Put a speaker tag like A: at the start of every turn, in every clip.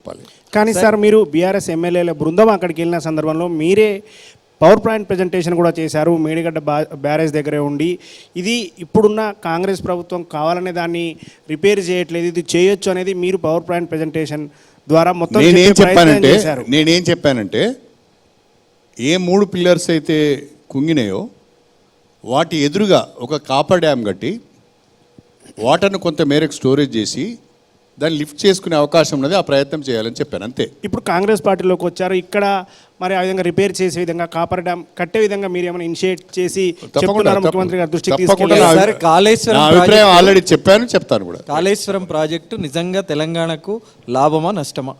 A: కానీ సార్ మీరు బీఆర్ఎస్ ఎమ్మెల్యేల బృందం అక్కడికి వెళ్ళిన సందర్భంలో మీరే పవర్ పాయింట్ ప్రజెంటేషన్ కూడా చేశారు. మేడిగడ్డ బ్యారేజ్ దగ్గరే ఉండి ఇది ఇప్పుడున్న కాంగ్రెస్ ప్రభుత్వం కావాలనే దాన్ని రిపేర్ చేయట్లేదు, ఇది చేయొచ్చు అనేది మీరు పవర్ పాయింట్ ప్రజెంటేషన్ ద్వారా మొత్తం
B: నేనేం చెప్పానంటే ఏ 3 పిల్లర్స్ అయితే కుంగినాయో వాటి ఎదురుగా ఒక కాపర్ డ్యామ్ కట్టి వాటర్ను కొంత మేరకు స్టోరేజ్ చేసి దాన్ని లిఫ్ట్ చేసుకునే అవకాశం ఉన్నది, ఆ ప్రయత్నం చేయాలని చెప్పాను అంతే.
A: ఇప్పుడు కాంగ్రెస్ పార్టీలోకి వచ్చారు, ఇక్కడ మరి ఆ విధంగా రిపేర్ చేసే విధంగా కాపర్ డ్యామ్ కట్టే విధంగా మీరు ఏమైనా ఇనిషియేట్ చేసి ముఖ్యమంత్రి గారి దృష్టికి
C: తీసుకెళ్లారు? కాళేశ్వరం
B: అభిప్రాయం ఆల్రెడీ చెప్పాను, చెప్తాను కూడా.
C: కాళేశ్వరం ప్రాజెక్టు నిజంగా తెలంగాణకు లాభమా నష్టమా?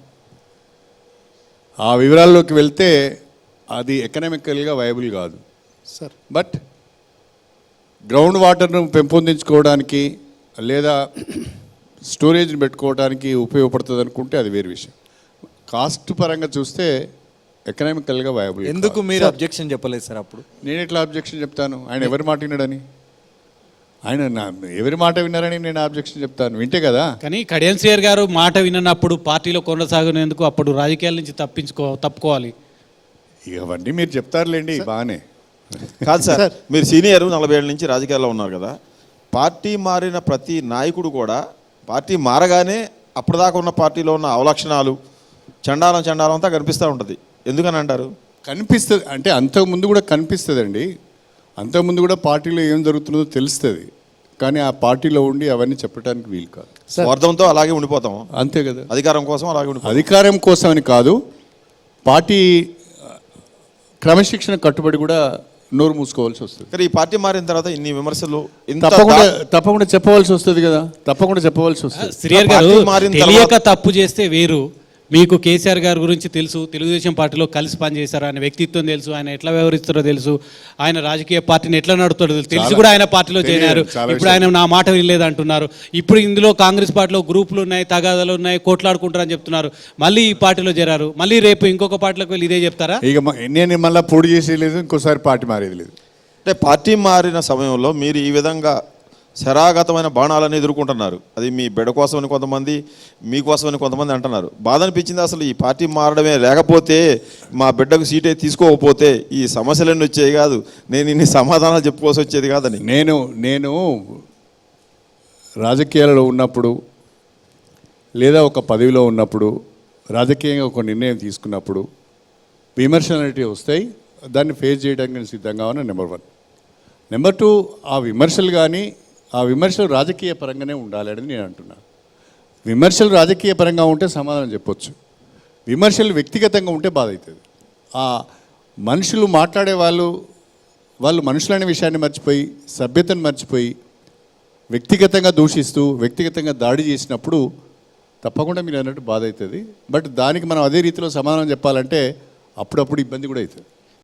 B: ఆ వివరాల్లోకి వెళ్తే అది ఎకనామికల్గా వైబుల్ కాదు
A: సార్.
B: బట్ గ్రౌండ్ వాటర్ను పెంపొందించుకోవడానికి లేదా స్టోరేజ్ని పెట్టుకోవడానికి ఉపయోగపడుతుంది అనుకుంటే అది వేరే విషయం. కాస్ట్ పరంగా చూస్తే ఎకనామికల్గా వైబుల్.
C: ఎందుకు మీరు అబ్జెక్షన్ చెప్పలేదు సార్? అప్పుడు
B: నేను ఎట్లా అబ్జెక్షన్ చెప్తాను? ఆయన ఎవరి మాట విన్నాడని, ఆయన ఎవరి మాట విన్నారని నేను అబ్జెక్షన్ చెప్తాను? వింటే కదా.
D: కానీ కడియం శ్రీహరి గారు మాట విన్నప్పుడు పార్టీలో కొనసాగినందుకు అప్పుడు రాజకీయాల నుంచి తప్పుకోవాలి.
B: ఇవన్నీ మీరు చెప్తారులేండి, బాగానే.
E: కాదు సార్, మీరు సీనియర్, 40 ఏళ్ళ నుంచి రాజకీయాల్లో ఉన్నారు కదా. పార్టీ మారిన ప్రతి నాయకుడు కూడా పార్టీ మారగానే అప్పటిదాకా ఉన్న పార్టీలో ఉన్న అవలక్షణాలు చండాలం అంతా కనిపిస్తూ ఉంటుంది. ఎందుకని అంటారు?
B: కనిపిస్తుంది అంటే అంతకుముందు కూడా కనిపిస్తుందండి. అంతకుముందు కూడా పార్టీలో ఏం జరుగుతుందో తెలుస్తుంది, కానీ ఆ పార్టీలో ఉండి అవన్నీ చెప్పడానికి వీలు కాదు.
E: స్వార్థంతో అలాగే ఉండిపోతాం,
B: అంతే కదా.
E: అధికారం కోసం అలాగే ఉండిపోతాం.
B: అధికారం కోసం అని కాదు, పార్టీ క్రమశిక్షణ కట్టుబడి కూడా నోరు మూసుకోవాల్సి వస్తుంది.
E: కానీ ఈ పార్టీ మారిన తర్వాత ఇన్ని విమర్శలు
B: తప్పకుండా చెప్పవలసి వస్తుంది కదా, తప్పకుండా చెప్పవలసి వస్తుంది.
D: శ్రీహరి గారు తెలియక తప్పు చేస్తే వేరు. మీకు కేసీఆర్ గారి గురించి తెలుసు, తెలుగుదేశం పార్టీలో కలిసి పనిచేశారు, ఆయన వ్యక్తిత్వం తెలుసు, ఆయన ఎట్లా వ్యవహరిస్తారో తెలుసు, ఆయన రాజకీయ పార్టీని ఎట్లా నడుపుతాడో తెలిసి కూడా ఆయన పార్టీలో చేరారు. ఇప్పుడు ఆయన నా మాట వినలేదు అంటున్నారు. ఇప్పుడు ఇందులో కాంగ్రెస్ పార్టీలో గ్రూపులు ఉన్నాయి, తగాదాలు ఉన్నాయి, కోట్లాడుకుంటారని చెప్తున్నారు. మళ్ళీ ఈ పార్టీలో చేరారు, మళ్ళీ రేపు ఇంకొక పార్టీలోకి వెళ్ళి ఇదే చెప్తారా?
B: ఇక నేను మళ్ళీ పొడి చేసేది లేదు, ఇంకోసారి పార్టీ మారేది లేదు.
E: అంటే పార్టీ మారిన సమయంలో మీరు ఈ విధంగా శరాగతమైన బాణాలను ఎదుర్కొంటున్నారు. అది మీ బిడ్డ కోసమని కొంతమంది, మీకోసమని కొంతమంది అంటున్నారు. బాధ అనిపించింది అసలు ఈ పార్టీ మారడమే, లేకపోతే మా బిడ్డకు సీటే తీసుకోకపోతే ఈ సమస్యలన్నీ వచ్చేవి కాదు, నేను ఇన్ని సమాధానాలు చెప్పుకోవాల్సి వచ్చేది కాదని.
B: నేను రాజకీయాలలో ఉన్నప్పుడు లేదా ఒక పదవిలో ఉన్నప్పుడు రాజకీయంగా ఒక నిర్ణయం తీసుకున్నప్పుడు విమర్శలు అనేవి వస్తాయి, దాన్ని ఫేస్ చేయడానికి నేను సిద్ధంగా ఉన్నా. నెంబర్ 1. నెంబర్ 2, ఆ విమర్శలు కానీ ఆ విమర్శలు రాజకీయ పరంగానే ఉండాలి అని నేను అంటున్నాను. విమర్శలు రాజకీయ పరంగా ఉంటే సమాధానం చెప్పొచ్చు, విమర్శలు వ్యక్తిగతంగా ఉంటే బాధ అవుతుంది. ఆ మనుషులు మాట్లాడే వాళ్ళు మనుషులనే విషయాన్ని మర్చిపోయి, సభ్యతను మర్చిపోయి వ్యక్తిగతంగా దూషిస్తూ వ్యక్తిగతంగా దాడి చేసినప్పుడు తప్పకుండా మీరు అన్నట్టు బాధ అవుతుంది. బట్ దానికి మనం అదే రీతిలో సమాధానం చెప్పాలంటే అప్పుడప్పుడు ఇబ్బంది కూడా అవుతుంది.